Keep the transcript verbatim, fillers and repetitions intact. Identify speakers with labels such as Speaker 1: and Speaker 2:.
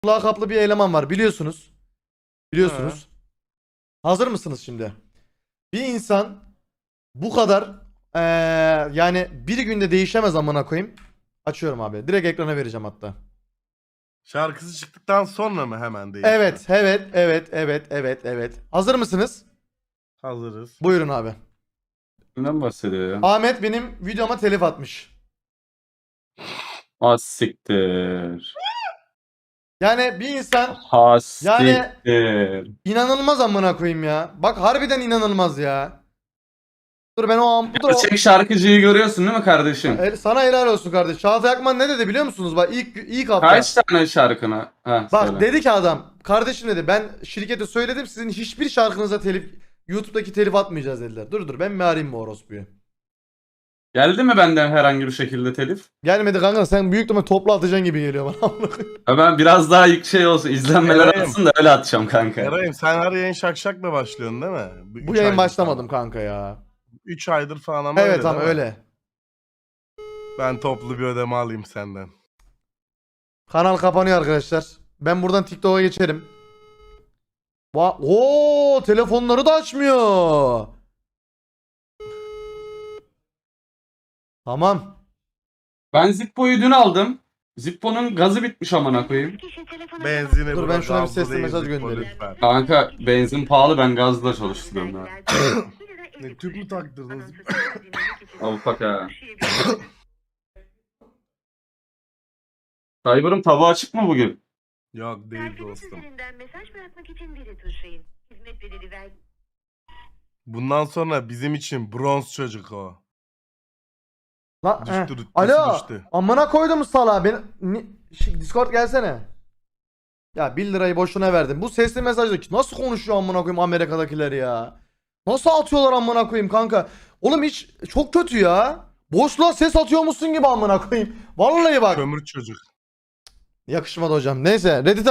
Speaker 1: lakaplı bir eleman var biliyorsunuz. Biliyorsunuz. Hazır mısınız şimdi? Bir insan bu kadar eee, yani bir günde değişemez amına koyayım. Açıyorum abi. Direkt ekrana vereceğim hatta.
Speaker 2: Şarkısı çıktıktan sonra mı hemen değişti?
Speaker 1: Evet, evet, evet, evet, evet, evet. Hazır mısınız?
Speaker 2: Hazırız.
Speaker 1: Buyurun abi.
Speaker 3: Neden bahsediyor ya?
Speaker 1: Ahmet benim videoma telif atmış.
Speaker 3: Az siktir.
Speaker 1: Yani bir insan
Speaker 3: Ha
Speaker 1: Yani-
Speaker 3: siktir.
Speaker 1: inanılmaz amına koyayım ya. Bak harbiden inanılmaz ya. Dur ben o an bu da o-
Speaker 3: Gerçek şarkıcıyı görüyorsun değil mi kardeşim?
Speaker 1: El- sana helal olsun kardeş. Çağatay Akman ne dedi biliyor musunuz? Bak ilk ilk hafta.
Speaker 3: Kaç tane şarkına? Ha,
Speaker 1: Bak
Speaker 3: söyle.
Speaker 1: dedi ki adam, kardeşim dedi ben şirkete söyledim sizin hiçbir şarkınıza telif YouTube'daki telif atmayacağız dediler. Dur dur ben mi arayayım bu orospuyu?
Speaker 3: Geldi mi benden herhangi bir şekilde telif?
Speaker 1: Gelmedi kanka sen büyük ihtimalle topla atacaksın gibi geliyor bana.
Speaker 3: Ha ben biraz daha ilk şey olsun, izlenmeler
Speaker 2: Eray'ım.
Speaker 3: artsın da öyle atacağım kanka.
Speaker 2: Eray'ım sen her yayın şakşakla başlıyorsun değil mi?
Speaker 1: Bu yayın başlamadım kanka ya.
Speaker 2: üç aydır falan ama
Speaker 1: Evet
Speaker 2: öyle
Speaker 1: ama
Speaker 2: değil mi?
Speaker 1: öyle.
Speaker 2: Ben toplu bir ödeme alayım senden.
Speaker 1: Kanal kapanıyor arkadaşlar. Ben buradan TikTok'a geçerim. Va Oo, telefonları da açmıyor. Tamam.
Speaker 3: Ben Zippo'yu dün aldım. Zippo'nun gazı bitmiş amına koyayım.
Speaker 2: Benzini
Speaker 1: Dur,
Speaker 2: bırak,
Speaker 1: ben şuna bir
Speaker 2: gazlı
Speaker 1: sesli
Speaker 2: değil,
Speaker 1: mesaj
Speaker 2: zippo
Speaker 1: göndereyim.
Speaker 2: lütfen.
Speaker 3: Kanka benzin pahalı, ben gazla çalıştırıyorum ya.
Speaker 2: Ne, tüp mü taktırdınız?
Speaker 3: Avukat ha. Cyber'ın tavuğu açık mı bugün?
Speaker 2: Yok değil dostum.
Speaker 4: Üzerinden mesaj bırakmak için biri tuşlayın. Hizmet bedeli ver.
Speaker 2: Bundan sonra bizim için bronz çocuk o.
Speaker 1: La,
Speaker 2: Düştü,
Speaker 1: he.
Speaker 2: rütbesi
Speaker 1: Alo.
Speaker 2: düştü.
Speaker 1: Amına koydum salağa. Ben Ni- Şi- Discord gelsene. Ya bir lirayı boşuna verdim. Bu sesli mesajda nasıl konuşuyor amına koyayım Amerika'dakiler ya? Nasıl atıyorlar amına koyayım kanka? Oğlum hiç çok kötü ya. Boşluğa ses atıyor musun gibi amına koyayım. Vallahi bak.
Speaker 2: Kömür çocuk.
Speaker 1: Yakışmadı hocam. Neyse Reddit'e